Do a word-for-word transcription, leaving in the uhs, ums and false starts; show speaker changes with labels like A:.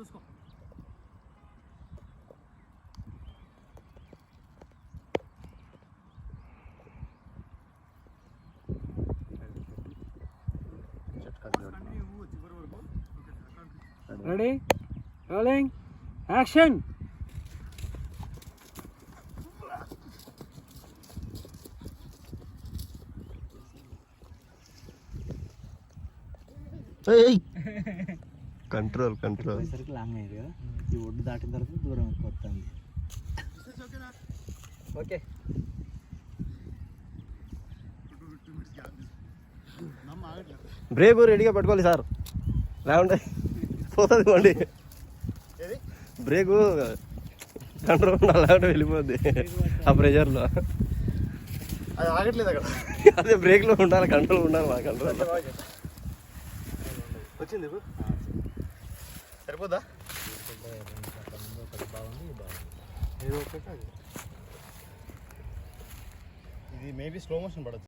A: చూసుకో.
B: Ready rolling action.
C: Control control
B: సరికి long అయ్యారు కదా, ఈ ఒడ్డు దాటిన తర్వాత దూరం ఎక్కువ వస్తుంది. ఓకే
C: బ్రేక్ రెడీగా పట్టుకోవాలి సార్, లేకుంటే పోతుంది బండి. బ్రేకు కంట్రోల్ ఉండాలి, లేకుంటే వెళ్ళిపోద్ది ఆ ప్రెషర్లో.
A: అది ఆగట్లేదు అక్కడ.
C: అదే బ్రేక్లో ఉండాలి, కంట్రోల్ ఉండాలి. మా కంట్రోల్
A: వచ్చింది ఇప్పుడు సరిపోద్దా? ఇది మేబీ స్లో మోషన్ పడచ్చు.